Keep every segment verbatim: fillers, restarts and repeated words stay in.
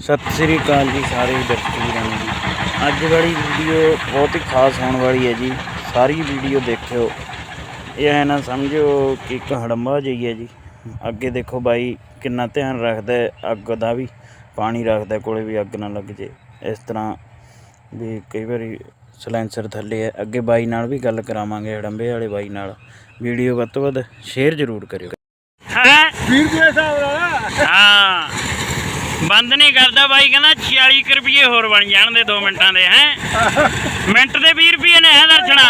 सत श्री अकाल जी सारे दर्शक वीरां नूं जी। अज वाली वीडियो बहुत ही खास होने वाली है जी। सारी वीडियो देखियो, यह ना समझो कि एक हड़ंबा जी है जी। अगे देखो बाई कितना ध्यान रखता है अग का भी, पानी रखता कोले भी अग ना लग जाए। इस तरह भी कई बार सलैंसर थले है। अगे बाई नाल भी गल करावांगे, हड़ंबे वाले बाई नाल। वीडियो वध तो वध शेयर जरूर करियो। हाँ बंद नहीं करता बाई, कहना छियाली रुपये होर बन जान दे दो मिनटां दे हैं। मिनट के भी रुपये ने है दर्शना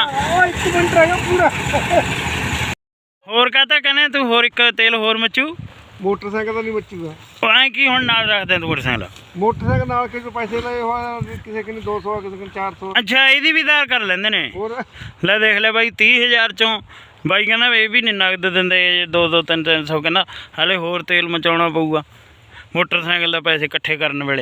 होर कहता कहने तू होर एक तेल होर मचू। मोटरसाइकिल तो नहीं मचूगा ऐ की हुण नाल रख दे तू मोटरसाइकिल मोटरसाइकिल नाल किसी पैसे लए होए, किसी किने दो सौ किसी किने चार सौ। अच्छा इहदी भी धार कर लैंदे ने। ले देख ले बाई तीह हज़ार चों बाई कहना ये भी नहीं नगद दिंदे, दो दो तीन तीन सौ कहना हाले होर तेल मचाउणा पऊगा मोटरसाइकिल का पैसे इकट्ठे करने वेले।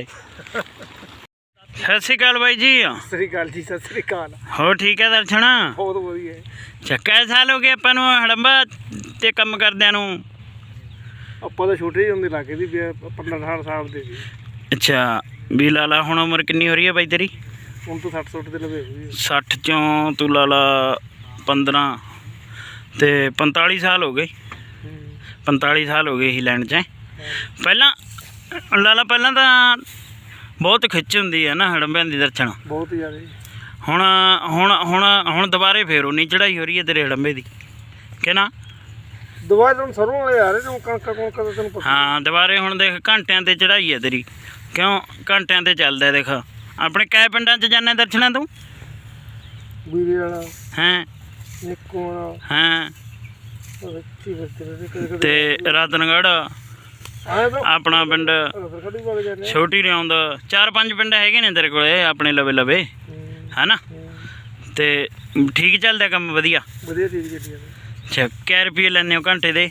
सत श्री अकाल बाई जी। सत श्री अकाल जी। सत श्री अकाल। हो ठीक है दर्शना? बहुत वधिया। अच्छा कै साल हो गए आपां नूं हड़ंबा ते काम करदिआं नूं? ਆਪਾਂ ਤਾਂ ਛੋਟੇ ਹੀ ਹੁੰਦੇ ਲੱਗੇ ਸੀ, पंद्रह अठारह ਸਾਲ ਦੇ ਸੀ। अच्छा भी लाला हुण उम्र कितनी हो रही है बाई तेरी? ਹੁਣ ਤਾਂ साठ सौ ਦੇ ਲਵੇ ਹੋਈ। साठ चों तू लाला पंद्रह ते पैंताली साल हो गए। पैंताली साल हो गए ही लैंड च। पहला लाला पहला तो बहुत खिच हुंदी है ना हड़ंबिਆਂ ਦੀ दर्शन, बहुत ज़्यादा। हुण हुण हुण हुण दुबारे फिर उन्नी चढ़ाई हो रही है तेरे हड़ंबे की कि ना? दुबारे तुम सरों वाले आ रहे जो कणका कणका तो तेन पता। हाँ दुबारे हुण देख घंटिਆਂ ते चढ़ाई है तेरी, क्यों घंटिਆਂ ते चलदा देख। अपने कै पिंडां च जाने दर्शना तू? बीरे वाला हैं निक्को वाला हैं अच्छी बस्ती ते रतनगढ़ अपना पिंड छोटी रियाउंद, चार पांच पिंड है ने तेरे कोले अपने लवे लवे है ना? ते ठीक चलदा काम? वधिया वधिया ठीक चली। अच्छा कै रुपये लैंदे हो घंटे दे?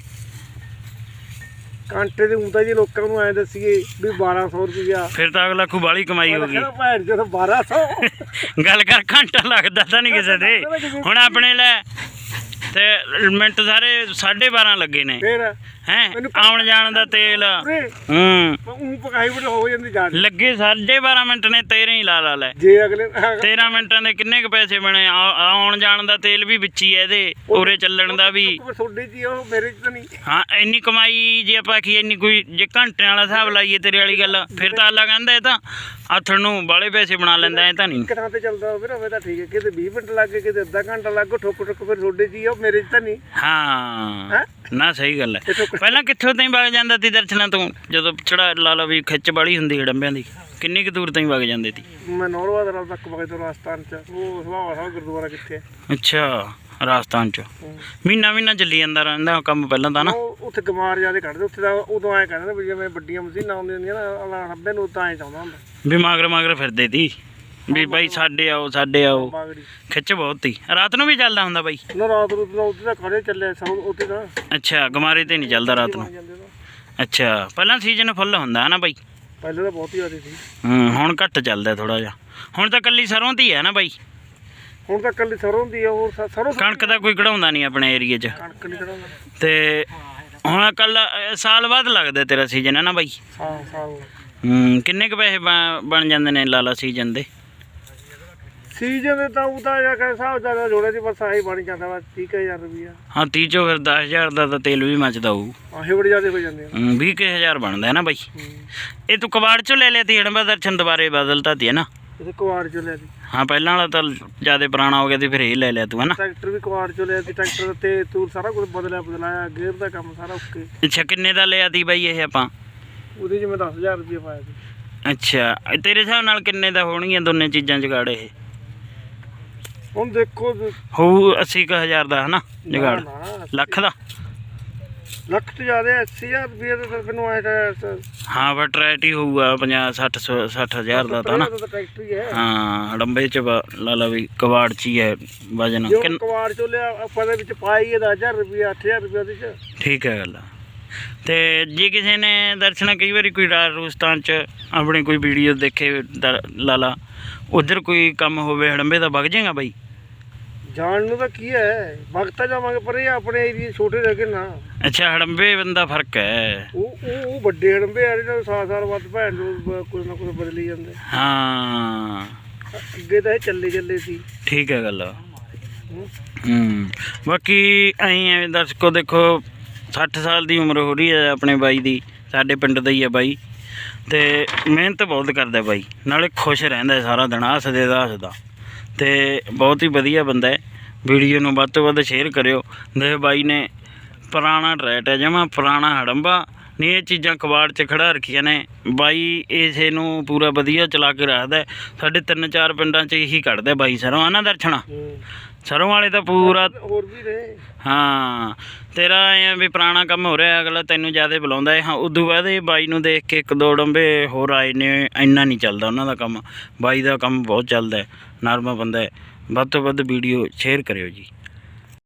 घंटे दे ऊंता जी लोकां नूं ऐ दसीए भी बारह सौ रुपया। फिर तो अगला खूब बाली कमाई होगी। भैन जो बारह सौ गल कर घंटा लगता तो नहीं किसी दे। हुण अपने लै ते मिनट सारे साढ़े बारह लगे ने हैं आउण जाण दा तेल। हूं पकाई बड़ी हो जांदी जान लगे साढ़े बारह मिनट ने तेरह ही ला ला लै। जे अगले तेरह मिनटां दे किन्ने क पैसे बने? आउण जाण दा तेल भी विच ही है इहदे, उरे चलण दा भी। थोड़ी जी ओ मेरे च तो नहीं। हाँ इन्नी कमाई जे आपां आखीए इन्नी कोई जे घंटे वाला हिसाब लाइए तेरे वाली गल, फिर तां अल्लाह कहंदा इह तां आथण नूं बाले पैसे बना लैंदा। इह तां नहीं कितना ते चलदा फिर होवे तां ठीक है, किते बीस मिनट लग गए किते अद्धा घंटा लग गया, ठोक ठोक फिर थोड़ी जी ओ मेरे च तो नहीं। हाँ ना सही गल है। पहला कित्थों ताईं वग जांदा ती दर्शना तूं? जदों चढ़ा ला ला भी खिच बाली हुंदी हड़ंबिਆਂ ਦੀ, किन्नी क दूर ताईं वग जांदे ती? मैं नौरवा दरा तक वग तो राजस्थान च वो सुभावा साहब गुरुद्वारा कित्थे है। अच्छा राजस्थान च महीना महीना चली जांदा रहिंदा काम पहलां तां ना? उत्थे गमार ज्यादा कढदे उत्थे तां उदों ऐ कहंदे भी जिवें वड्डियां मशीनां आउंदियां हुंदियां ना हड़ंबे नूं तां ऐ चाहुंदा हुंदा भी मगर मगर फिरदे ती भी भाई साडे आओ साडे आओ। खिच बहुत थी। रात नूं भी चलदा हुंदा बाई? ना रात नूं तां उत्थे तां खड़े चले सब उत्थे तां। अच्छा गमारे ते नहीं चलदा रात नूं? अच्छा पहलां सीजन फुੱਲ ਹੁੰਦਾ है ना बाई? पहले तो बहुत ज़्यादा थी। हूँ हुण घट चलदा थोड़ा जिहा। हुण तां कल्ली सरों ती है ना बाई? हुण तां कल्ली सरों दी है। और सरों कणक दा कोई कढाउंदा नहीं अपने एरिए च? कणक नहीं कढाउंदा ते हुण कल साल बाद लगदा तेरा सीजन है ना बाई? हाँ साल। हूँ किन्ने क पैसे बन जांदे ने लाला सीजन दे? सीजन दे तां उदा जा के हिसाब ज़्यादा जोड़े दी बस आही बन जांदा बस तीह हज़ार रुपया। हाँ तीह चो फिर दस हज़ार दा तां तेल भी मचदा होऊ। आही बड़ी ज़्यादा हो जांदे हैं। बीस के हज़ार बनदा है ना बाई? ये तू कबाड़ चो ले लिया ती हड़ंबा दर्शन दोबारे बदलता ती है ना? इसे कवाड़ चो लिया ती। हाँ पहला वाला तो ज़्यादा पुराना हो गया थी, फिर ये ले लिया तू है ना? ट्रैक्टर भी कवाड़ चो लिया ती, ट्रैक्टर ते तूर सारा कुछ बदलिया बदलाया, गेयर दा काम सारा ओके। अच्छा किन्ने दा लिया ती बाई ये आपां? ਉਹਦੇ 'ਚ मैं दस हज़ार रुपया पाया ती। अच्छा तेरे हिसाब नाल किन्ने दा होणगीਆਂ दोने चीज़ां जुगाड़ ये? ਹੁਣ देखो होऊ अस्सी क हज़ार दा है ना जुगाड़? लख दा? ਲੱਖ ਤੋਂ ਜ਼ਿਆਦਾ अस्सी हज़ार रुपया तो सिर्फ ਨੂੰ आया। हाँ पर ट्रैक्ट ही होऊगा पचास सठ सठ हज़ार दा था ना? ट्रैक्टर ही है। हाँ हड़ंबे च ला ला भी कबाड़ च ही है वजन। कबाड़ चो लिया ਆਪਾਂ ਦੇ ਵਿੱਚ ਪਾਈ दस हज़ार रुपया अठ हज़ार रुपया ਉਹਦੇ 'ਚ। ठीक है गल। तो जे किसी ने दर्शना कई बार कोई राजस्थान च अपनी कोई वीडियो देखे लाला उधर कोई काम होवे हड़ंबे दा वग जाएगा बाई? ਜਾਣ ਨੂੰ ਤਾਂ ਕੀ ਹੈ, ਵਕਤ ਤਾਂ ਜਾਵਾਂਗੇ, ਪਰ ਇਹ ਆਪਣੇ ਏਰੀਏ ਛੋਟੇ ਰਹਿ ਗਏ ਨਾ। ਅੱਛਾ ਹੜੰਬੇ ਬੰਦਾ ਫਰਕ ਹੈ। ਉਹ ਉਹ ਉਹ ਵੱਡੇ ਹੜੰਬੇ ਆ ਜਿਹੜੇ ਸਾਲ ਸਾਲ ਵੱਧ ਭੈਣ ਨੂੰ ਕੁਝ ਨਾ ਕੁਝ ਬਦਲੀ ਜਾਂਦੇ। ਹਾਂ ਅੱਗੇ ਤਾਂ ਇਹ ਚੱਲੇ ਚੱਲੇ ਸੀ। ਠੀਕ ਹੈ ਗੱਲ। ਹੂੰ। ਹੂੰ ਬਾਕੀ ਅਸੀਂ ਐਵੇਂ ਦਰਸ਼ਕੋ ਦੇਖੋ ਸੱਠ ਸਾਲ ਦੀ ਉਮਰ ਹੋ ਰਹੀ ਹੈ ਆਪਣੇ ਬਾਈ ਦੀ, ਸਾਡੇ ਪਿੰਡ ਦਾ ਹੀ ਹੈ ਬਾਈ, ਅਤੇ ਮਿਹਨਤ ਬਹੁਤ ਕਰਦਾ ਬਾਈ, ਨਾਲੇ ਖੁਸ਼ ਰਹਿੰਦਾ ਸਾਰਾ ਦਿਨ ਹੱਸਦੇ ਦਾ ਹੱਸਦਾ, ਅਤੇ ਬਹੁਤ ਹੀ ਵਧੀਆ ਬੰਦਾ ਹੈ। ਵੀਡੀਓ ਨੂੰ ਵੱਧ ਤੋਂ ਵੱਧ ਸ਼ੇਅਰ ਕਰਿਓ। ਦੇਖ ਬਾਈ ਨੇ ਪੁਰਾਣਾ ਟਰੈਟ ਹੈ ਜਮਾਂ ਪੁਰਾਣਾ ਹੜੰਬਾ ਨਹੀਂ, ਇਹ ਚੀਜ਼ਾਂ ਕਬਾੜ 'ਚ ਖੜਾ ਰੱਖੀਆਂ ਨੇ ਬਾਈ, ਇਸੇ ਨੂੰ ਪੂਰਾ ਵਧੀਆ ਚਲਾ ਕੇ ਰੱਖਦਾ। ਸਾਡੇ ਤਿੰਨ ਚਾਰ ਪਿੰਡਾਂ 'ਚ ਇਹੀ ਕੱਢਦਾ ਬਾਈ ਸਰੋਂ, ਆਨਾ ਦਰਸ਼ਨਾ ਸਰੋਂ ਵਾਲੇ ਤਾਂ ਪੂਰਾ। ਹੋਰ ਵੀ ਨੇ। ਹਾਂ ਤੇਰਾ ਐਂ ਵੀ ਪੁਰਾਣਾ ਕੰਮ ਹੋ ਰਿਹਾ, ਅਗਲਾ ਤੈਨੂੰ ਜ਼ਿਆਦਾ ਬੁਲਾਉਂਦਾ ਹੈ। ਹਾਂ ਉਦੋਂ ਬਾਅਦ ਇਹ ਬਾਈ ਨੂੰ ਦੇਖ ਕੇ ਇੱਕ ਦੋ ਡੰਬੇ ਹੋਰ ਆਏ ਨੇ, ਇੰਨਾ ਨਹੀਂ ਚੱਲਦਾ ਉਹਨਾਂ ਦਾ ਕੰਮ, ਬਾਈ ਦਾ ਕੰਮ ਬਹੁਤ ਚੱਲਦਾ, ਨਰਮ ਬੰਦਾ ਹੈ। ਵੱਧ ਤੋਂ ਵੱਧ ਵੀਡੀਓ ਸ਼ੇਅਰ ਕਰਿਓ ਜੀ।